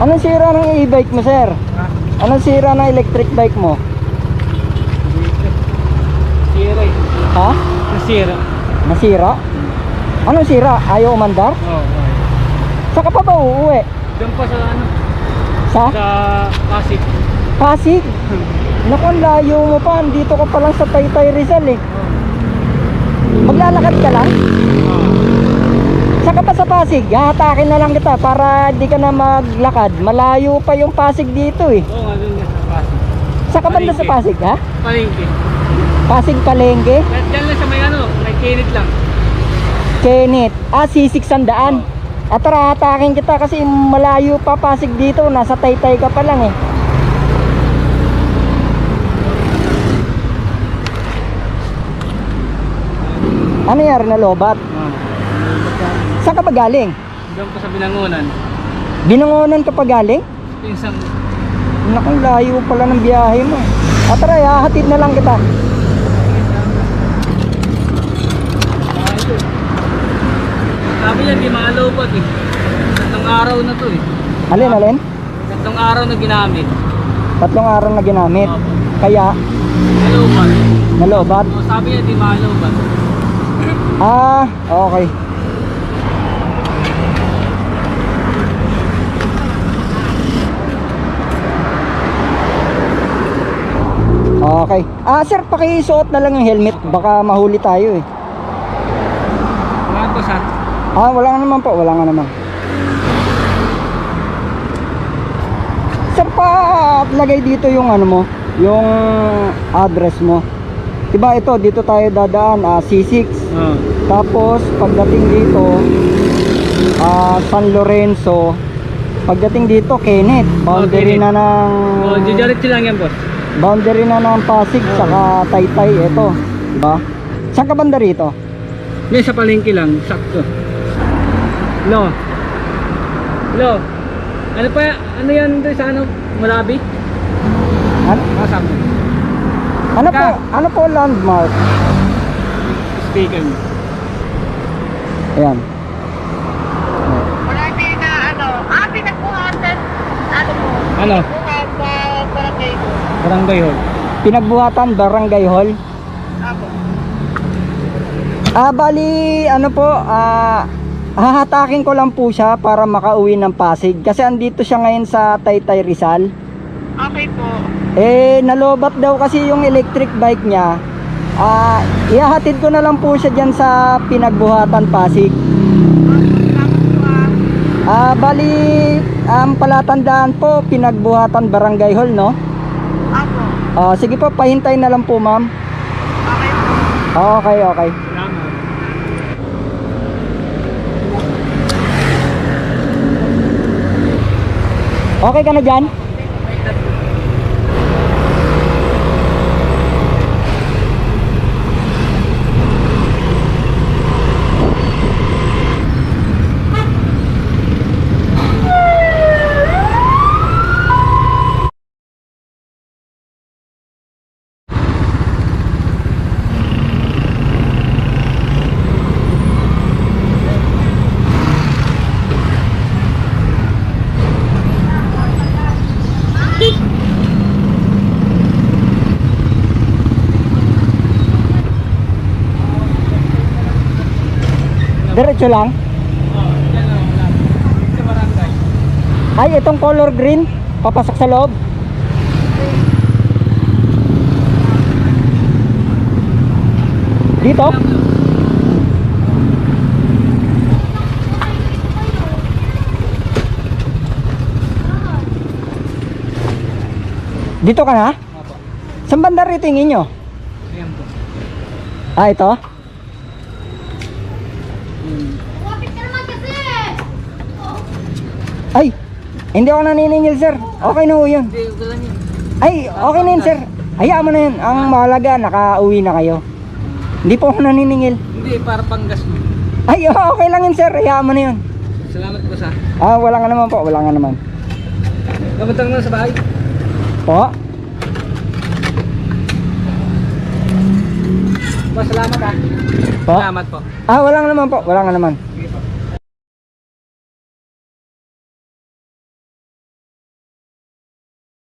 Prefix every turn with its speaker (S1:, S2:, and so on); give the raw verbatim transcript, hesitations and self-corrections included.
S1: Anong sira ng e-bike mo, sir?
S2: Ha?
S1: Anong sira ng electric bike mo?
S2: Sira eh.
S1: Ha?
S2: Nasira.
S1: Nasira? Anong sira? Ayaw umandar?
S2: Oo. Oh, oh.
S1: Saan ka pa ba uuwi?
S2: Diyan pa sa ano?
S1: Sa?
S2: Sa Pasig.
S1: Pasig? Naku, ang layo mo pa. Dito ka pa lang sa Taytay Rizal eh. Maglalakad ka lang?
S2: Oo.
S1: Saan ka pa sa Pasig? Hahatakin na lang kita para di ka na maglakad. Malayo pa yung Pasig dito eh.
S2: Oo nga, doon nga sa Pasig.
S1: Saan ka banda sa Pasig, ha?
S2: Palengke.
S1: Pasig Palengke?
S2: Kahit dyan lang sa may ano, may kinit lang.
S1: Kenneth. Ah, sisig sandaan. At tara, hatakin kita kasi malayo pa Pasig dito. Nasa Taytay ka pa lang eh. Ano yari na lobat?
S2: Oo.
S1: Saan ka ba galing?
S2: Diyan pa sa Binangonan.
S1: Binangonan ka pa galing?
S2: Pinsang.
S1: Naku, layo pala ng biyahe mo. At tara, hahatid na lang kita.
S2: Sabi niya, di maalobat eh. Tatlong araw na to eh.
S1: Alin, alin?
S2: Tatlong araw na ginamit.
S1: Tatlong araw na ginamit.
S2: Opo.
S1: Kaya,
S2: Alobat.
S1: nalobat.
S2: O, sabi niya, di maalobat.
S1: Ah, okay. Okay. Ah, sir, pakisuot na lang yung helmet. Baka mahuli tayo eh.
S2: Mga boss ha.
S1: Ah, wala nga naman po. Wala nga naman. Sir, pa lagay dito yung ano mo, yung address mo. Diba ito, dito tayo dadaan, ah, C six.
S2: Oo.
S1: Tapos pagdating dito, ah, San Lorenzo. Pagdating dito, Kenneth. Boundary
S2: Oh, Kenneth.
S1: na ng
S2: O, didiretso lang yan boss.
S1: boundary na ng Pasig saka Taytay. Ito, diba? Saan ka banda rito?
S2: Yan sa palengke lang, sakto. Lo. Lo. Ano pa, ano yan doon sa ano? Malabi?
S1: Ano,
S2: Ah, sabi.
S1: ano po,
S2: Ka.
S1: ano po landmark?
S2: Speaker mo.
S1: Ayan.
S3: Wala din na ano, ah, pinagbuhatan, ano mo,
S2: Ano?
S3: buhat sa barangay ko.
S2: Barangay hall.
S1: Pinagbuhatan, Barangay Hall.
S3: Ako.
S1: Ah, bali, ano po, ah, hahatakin ko lang po siya para makauwi ng Pasig. Kasi andito siya ngayon sa Taytay Rizal.
S3: Okay po.
S1: Eh, nalobat daw kasi yung electric bike niya. Ah, ihahatid ko na lang po siya dyan sa Pinagbuhatan, Pasig.
S3: Salamat po ah.
S1: Ah, bali, ang palatandaan po, Pinagbuhatan, Barangay Hall, no?
S3: Ako.
S1: Ah, sige po, pahintay na lang po, ma'am.
S3: Okay po.
S1: Okay, okay.
S2: Salamat.
S1: Okay ka na dyan? Diretso lang.
S2: Oh, yan lang, wala. Sa barangay.
S1: Ay, itong color green, papasok sa loob. Dito? Dito ka na?
S2: Opo.
S1: Saan banda rito yung inyo?
S2: Ayan po.
S1: Ah, ito? Ay, hindi ako naniningil, sir. Okay na ho yun.
S2: Hindi, wala niya.
S1: Ay, okay na yun, sir. Hayaan mo na yun. Ang mahalaga, nakauwi na kayo. Hindi po ako naniningil.
S2: Hindi, para panggas mo.
S1: Ay, okay lang yun, sir. Hayaan mo na yun.
S2: Salamat po sa.
S1: Ah, wala nga naman po. Wala nga naman.
S2: Kamuntang na sa bahay.
S1: Po?
S2: Boss, salamat ah.
S1: Po?
S2: Salamat po.
S1: Ah, wala nga naman po. Wala nga naman.
S2: Sige po.